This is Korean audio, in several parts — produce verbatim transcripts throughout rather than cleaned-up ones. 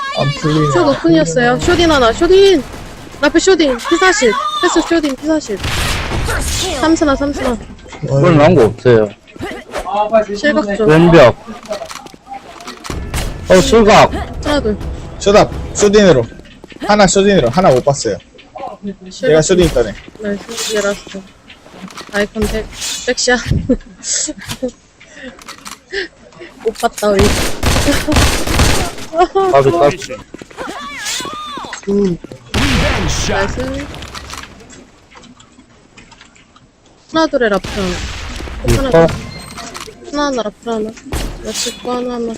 안 풀리네. 숏 오픈이었어요. 숏인 하나, 숏인! 라플 숏인, 피사실. 패스 숏인, 피사실. 삼스나, 삼스나. 그건 나온 거 없어요. 실각 쪽. 왼벽. 어, 실각. 하나, 둘. 쇼답, 쇼딘으로. 하나 쇼딘으로. 하나 못 봤어요. 얘가 실각. 쇼딘 있다네. 나이스, 이게 라스트. 아이 컨택. 백샷. 못 봤다, 우리. 까비, 까비. 나이스. 하나, 둘에 라플 하나. 하나, 이거, 둘. 하나, 하나, 라플 하나. 나 찍고 하나, 하나.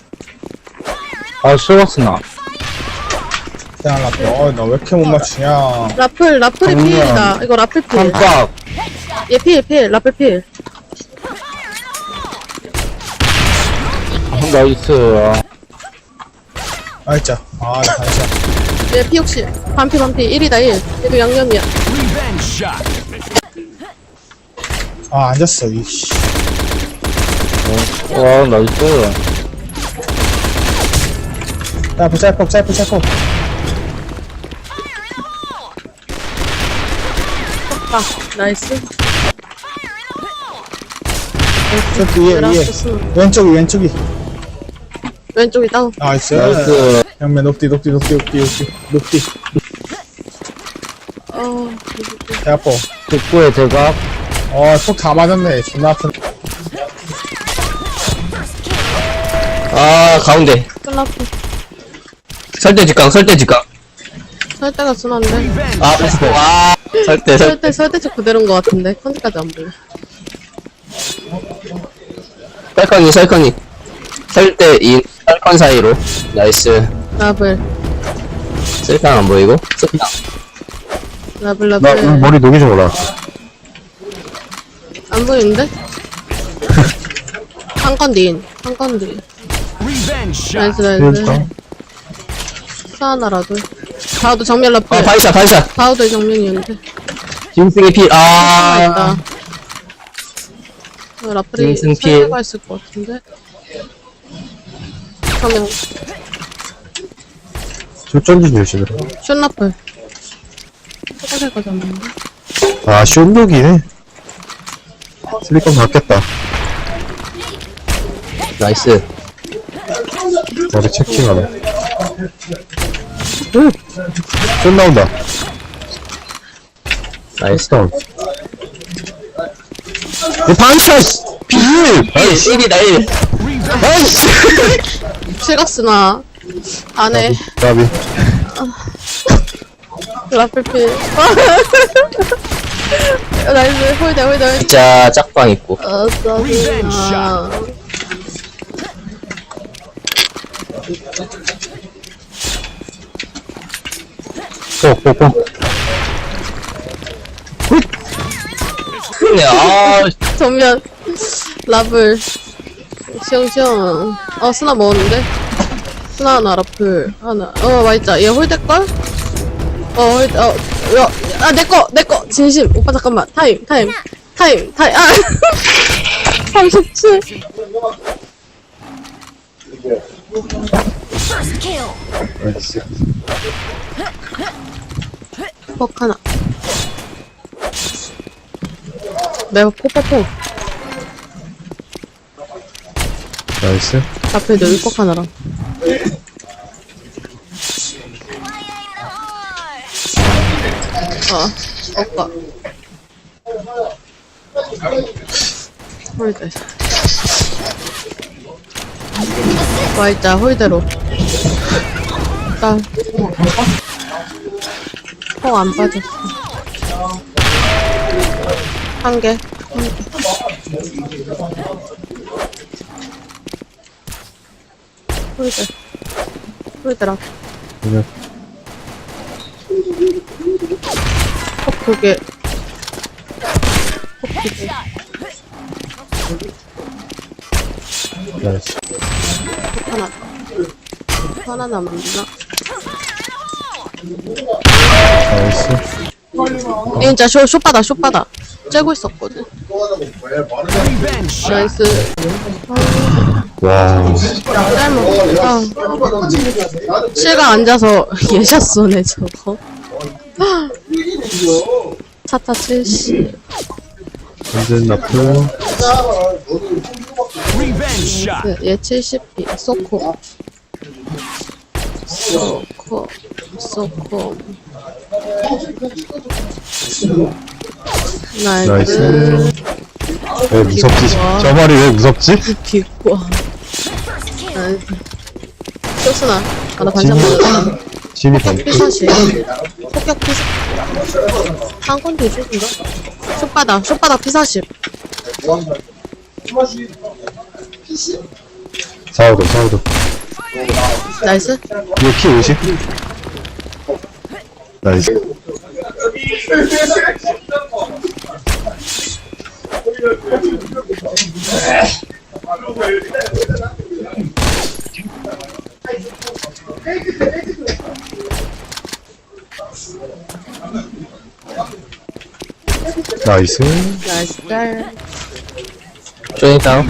아, 실각스나. 생각났다. 어, 나 왜 이렇게 못 맞추냐. 라플, 라플이 정면. 필이다. 이거 라플 필. 깜빡. 얘 필, 필. 라플 필. 나이스. 아, 진짜. 아, 나 다시. 얘 피 혹시. 반피, 반피. 일이다, 일. 얘도 양념이야. 아, 앉았어, 이씨. 와, 나이스. 야, 짤폭, 짤폭, 짤폭. 아, 나이스. 저 뒤에, 위에. 라스트 왼쪽이, 왼쪽이. 왼쪽이 다운. 나이스. 나이스. 형맨, 높디, 높디, 높디, 높디, 높디, 높디. 어, 배 아파. 직구의 대각. 어, 속 다 맞았네. 존나 아픈. 아 가운데 클라프. 설대 직각 설대 직각 설대가 순한데. 아 패스포 아 설대 설 설대, 설대쪽 그대로인 것 같은데. 컨디까지 안 보여. 설컨이 설컨이 설대 인 설컨 사이로 나이스 라블. 설탕 안 보이고 설탕 라블, 나 라블. 오늘 머리 녹이지 몰라. 안 보이는데? 한 건 뒤인. 한 건 뒤인. 나이스, 나이스. 사하나라도. 다우도 정면 라플. 아 바이샷 바이샷 다우도 정면이었는데. 김승희 필 아, 아 있다. 어, 라플이 김승필. 살려가 있을 것 같은데. 정면. 출전지 주시더라. 숏 라플. 초가색까지 잡는데. 아, 쇼독이네. 슬리건 바뀌었다. 나이스 머리 체킹하네. 응! 쇼 나온다. 나이스 다운. 반샷 비율 일 십이다 일 나이스 실각스나. 안에. 까비. 라플필. 나이스. 홀대, 홀대, 홀대. 진짜 짝방 있고 아, 짜증나. 꼭, 꼭, 꼭. 그래 아 전면. 라블. 시영시영. 어, 스나 먹었는데? 스나 하나, 라플. 하나. 어, 맛있자. 얘 홀대걸? 어, 홀대, 어, 야, 아, 내꺼, 내꺼. 진심. 오빠, 잠깐만. 타임, 타임. 타임, 타임. 아! 삼십칠. 나이스. 폭 하나. 내가 포포포. 나이스. 앞에 여기 폭 하나랑. 어, 오빠. 홀대. 와있자, 홀대로. 일단. 폭안 빠졌어. 한 개. 한 개. 홀대. 홀대라. 그래. 폭 두 개. 폭 두 개. 나이스. 폭 하나. 폭 하나 남았나? 나이스. 얘 진짜 쇼, 쇼바다, 쇼바다. 째고 있었거든. 나이스. 와, 짧은 아 실가 앉아서 예샷 쏘네 저거. 차타 칠십. 완전 나프. 얘 칠십 피 소코 소코 소코 나이스 나이스. 왜 무섭지? 와. 저 말이 왜 무섭지? 비꼬 나이스 쇼스나 아나 반찬 맞았다 진이 반. 피사시 폭격 피사 한 건도 쇼인가? 쇼바닥 쇼바닥 피사십 사오도, 사오도. 나이스 이거 키 오십? 나이스. 나이스. 나이스 짤 쇼인 다운.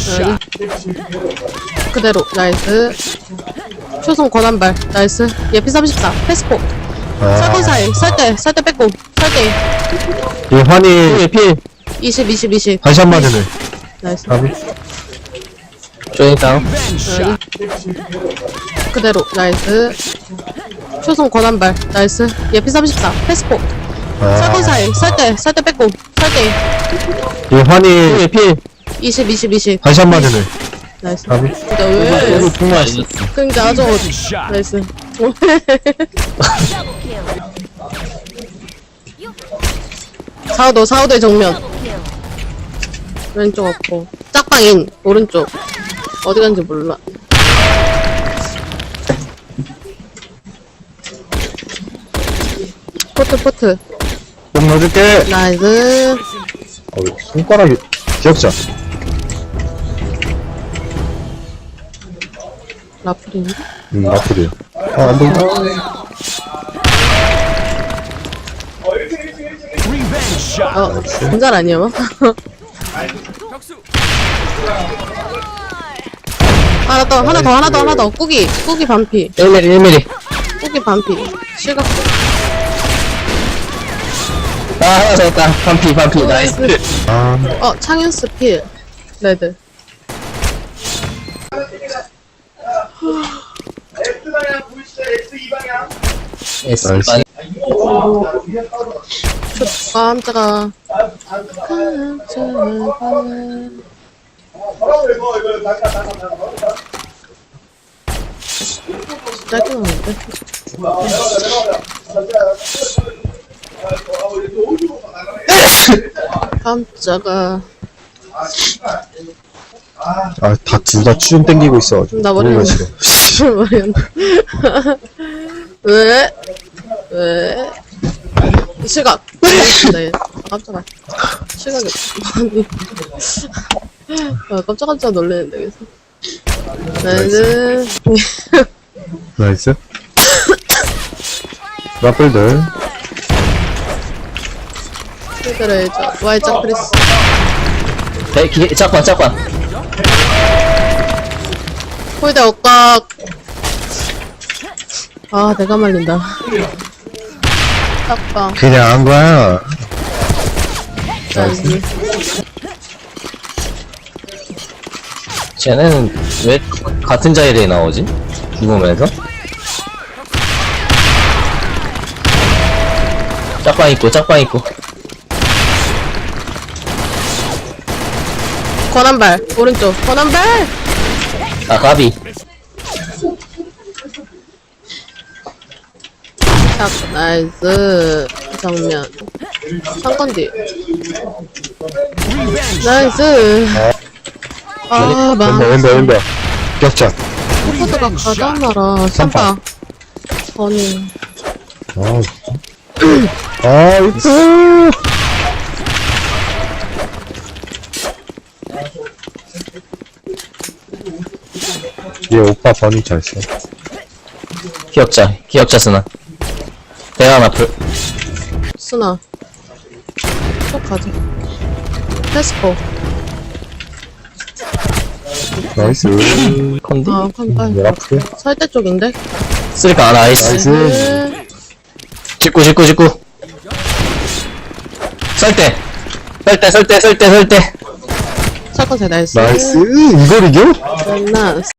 그대로 나이스 초성 권한발 나이스 예피 삼십사 패스포 아, 설건 사이 설대 설대 뺏고 설대 이 환희 필, 필. 이십 이십 이십 한샷 맞으네. 나이스 가비. 쇼인 다운. 나이스. 그대로 나이스 초성 권한발 나이스 예피 삼십사 패스포 설건 아, 사이 설대 설대 뺏고 설대 이 환희 필, 필. 이십 이십 이십 한샷 맞으네. 나이스 가비. 진짜 왜 정말 있었어. 그니까 아주 나이스 사우도 사우도의 정면 왼쪽 없고 짝방인 오른쪽 어디 간지 몰라 포트 포트 좀 넣어줄게. 나이스 어, 손가락이 기억자. 라플인데? 음, 나쁘지. 아, 안 보인다. 어 공잘 아니야 뭐? 하나 더 하나 더 하나 더 하나 더 꾸기 꾸기 반피 일 밀리, 일 밀리. 꾸기 반피 실각 아, 하나 잡았다. 반피, 반피. 나이스. 아, 어 창윤스 필 레드 S 나이스. 반. 깜짝아 깜짝아 짧게 나오는데 깜짝아 아, 다, 둘 다 추좀 땡기고 있어가지고. 나 머리 모르겠어. 왜? 왜? 실각 네 깜짝아 실각이 아니 아 깜짝깜짝 놀래는데 그래서 나이스 나이스. 라플들. 필드를 저 Y자 크리스 네, 기, 짝반, 짝반. 홀대 억각 아 내가 말린다 딱방 그냥 한 거야. 나이스 쟤는 왜 같은 자리에 나오지? 죽으면서? 짝방 있고, 짝방 있고. 권한발 오른쪽 권한발 아, 가비. 딱 나이스 정면 상건 뒤 나이스 아 왼발, 막 왼발, 왼발. 격자. 포포드가 가잖아라 삼파 아니 아, 아, 이쁘. 얘 오빠 번이 잘 써. 기억자, 기억자 쓰나. 대한 앞을. 쓰나 쭉 가자 패스포 나이스. 컨디? 아, 칸, 열 아프게. 설대 쪽인데? 쓰리까, 아, 나이스. 나이스. 네. 직구, 직구, 직구. 썰때. 썰때, 썰때, 썰때, 썰때. 사건 세 나이스. 나이스. 이걸 이겨? 끝났어.